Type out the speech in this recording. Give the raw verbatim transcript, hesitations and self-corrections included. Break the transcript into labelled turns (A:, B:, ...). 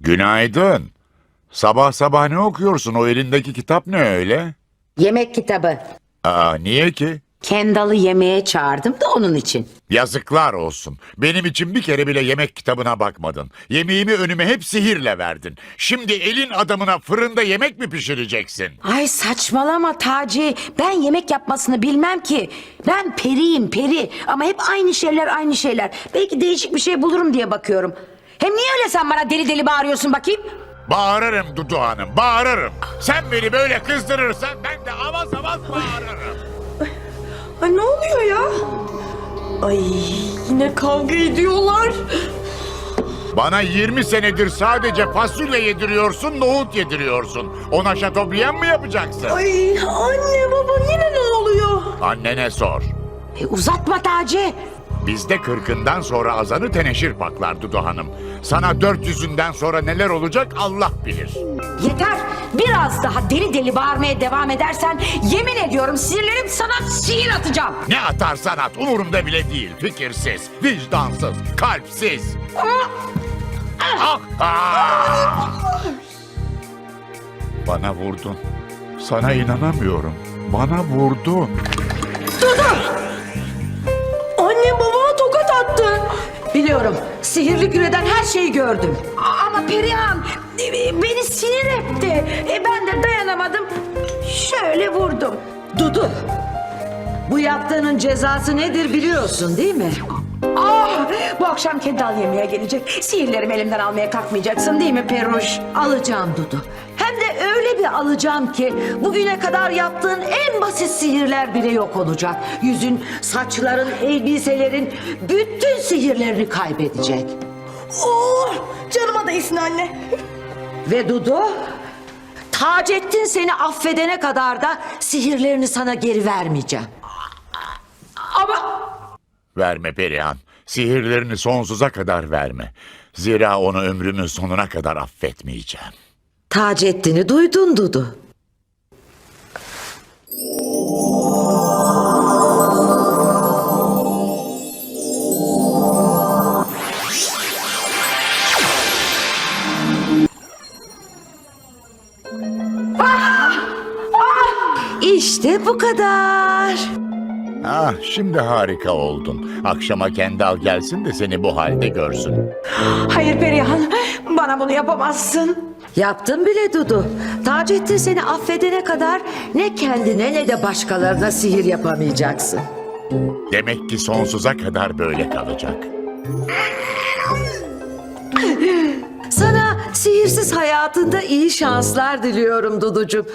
A: Günaydın. Sabah sabah ne okuyorsun? O elindeki kitap ne öyle?
B: Yemek kitabı.
A: Aa, niye ki?
B: Kendall'ı yemeğe çağırdım da onun için.
A: Yazıklar olsun. Benim için bir kere bile yemek kitabına bakmadın. Yemeğimi önüme hep sihirle verdin. Şimdi elin adamına fırında yemek mi pişireceksin?
B: Ay saçmalama Taci. Ben yemek yapmasını bilmem ki. Ben periyim peri. Ama hep aynı şeyler aynı şeyler. Belki değişik bir şey bulurum diye bakıyorum. Hem niye öyle sen bana deli deli bağırıyorsun bakayım?
A: Bağırırım Dudu Hanım, bağırırım. Sen beni böyle kızdırırsan ben de avaz avaz bağırırım.
C: Ay ne oluyor ya? Ay yine kavga ediyorlar.
A: Bana yirmi senedir sadece fasulye yediriyorsun, nohut yediriyorsun. Ona şatobriyen mi yapacaksın?
C: Ay anne baba yine ne oluyor?
A: Annene sor.
B: E, uzatma Taci.
A: Bizde kırkından sonra azanı teneşir paklar Dudu Hanım. Sana dört yüzünden sonra neler olacak Allah bilir.
B: Yeter. Biraz daha deli deli bağırmaya devam edersen yemin ediyorum sinirlerim sana sihir atacağım.
A: Ne atarsan at umurumda bile değil. Fikirsiz, vicdansız, kalpsiz. Ah, ah! Bana vurdun. Sana inanamıyorum. Bana vurdun.
C: Anne babama tokat attı.
B: Biliyorum. Sihirli küreden her şeyi gördüm. A- Ama Perihan e, beni sinir etti. E, ben de dayanamadım. Şöyle vurdum.
D: Dudu, bu yaptığının cezası nedir biliyorsun değil mi?
B: Ah, bu akşam Kendall yemeğe gelecek. Sihirlerimi elimden almaya kalkmayacaksın değil mi Peruş?
D: Alacağım Dudu. Hem de öyle bir alacağım ki bugüne kadar yaptığın en basit sihirler bile yok olacak. Yüzün, saçların, elbiselerin bütün sihirlerini kaybedecek.
C: Oh, canıma değsin anne.
D: Ve Dudu, Taceddin seni affedene kadar da sihirlerini sana geri vermeyeceğim.
B: Ama
A: Verme Perihan. Sihirlerini sonsuza kadar verme. Zira onu ömrümün sonuna kadar affetmeyeceğim.
D: Taceddin'i duydun Dudu. İşte bu kadar.
A: Ah, şimdi harika oldun. Akşama Kendall gelsin de seni bu halde görsün.
B: hayır Perihan, bana bunu yapamazsın.
D: Yaptım bile Dudu. Taceddin seni affedene kadar ne kendine ne de başkalarına sihir yapamayacaksın.
A: Demek ki sonsuza kadar böyle kalacak.
D: Sana sihirsiz hayatında iyi şanslar diliyorum Duducuğum.